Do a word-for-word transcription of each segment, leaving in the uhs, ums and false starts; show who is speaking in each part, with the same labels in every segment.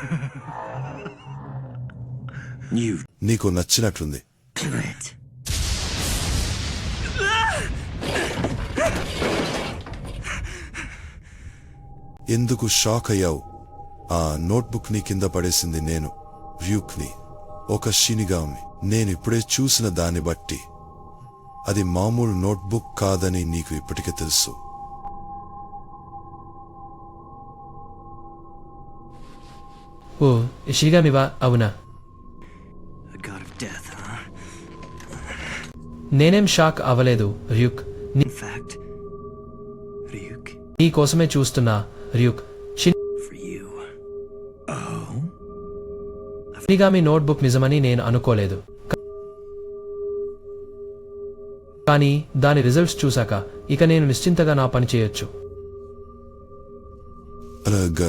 Speaker 1: నీకు నచ్చినట్లుంది. ఎందుకు షాక్ అయ్యావు? ఆ నోట్బుక్ ని కింద పడేసింది నేను, ర్యూక్ని, ఒక షినిగామి. నేనిప్పుడే చూసిన దాన్ని బట్టి అది మామూలు నోట్బుక్ కాదని నీకు ఇప్పటికే తెలుసు.
Speaker 2: ఓ షినిగామివా? అవునా? నేనేం షాక్ అవ్వలేదు ర్యూక్. నీ కోసమే చూస్తున్నా ర్యూక్. షినిగామి నోట్బుక్ నిజమని నేను అనుకోలేదు, కానీ దాని రిజల్ట్స్ చూశాక ఇక నేను నిశ్చింతగా నా పని చేయొచ్చు.
Speaker 1: అలాగా,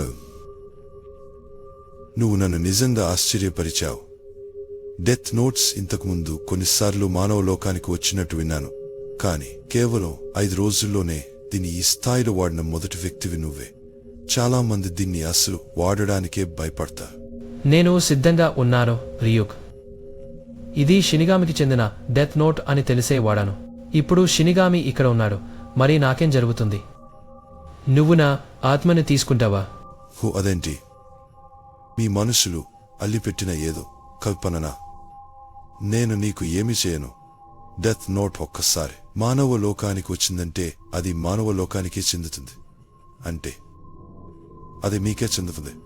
Speaker 1: నువ్వు నన్ను నిజంగా ఆశ్చర్యపరిచావు. డెత్ నోట్స్ ఇంతకుముందు కొన్నిసార్లు మానవ లోకానికి వచ్చినట్టు విన్నాను, కానీ కేవలం ఐదు రోజుల్లోనే దీన్ని ఈ స్థాయిలో వాడిన మొదటి వ్యక్తివి నువ్వే. చాలా మంది దీన్ని అసలు వాడడానికే భయపడతారు.
Speaker 2: నేను సిద్ధంగా ఉన్నాను రియూక్. ఇది షినిగామికి చెందిన డెత్ నోట్ అని తెలిసే వాడాను. ఇప్పుడు షినిగామి ఇక్కడ ఉన్నాడు, మరి నాకేం జరుగుతుంది? నువ్వు నా ఆత్మని తీసుకుంటావా?
Speaker 1: హో, అదేంటి? మీ మనుషులు అల్లిపెట్టిన ఏదో కల్పననా? నేను నీకు ఏమి చేయను. డెత్ నోట్ ఒక్కసారి మానవ లోకానికి వచ్చిందంటే అది మానవ లోకానికే చెందుతుంది, అంటే అది మీకే చెందుతుంది.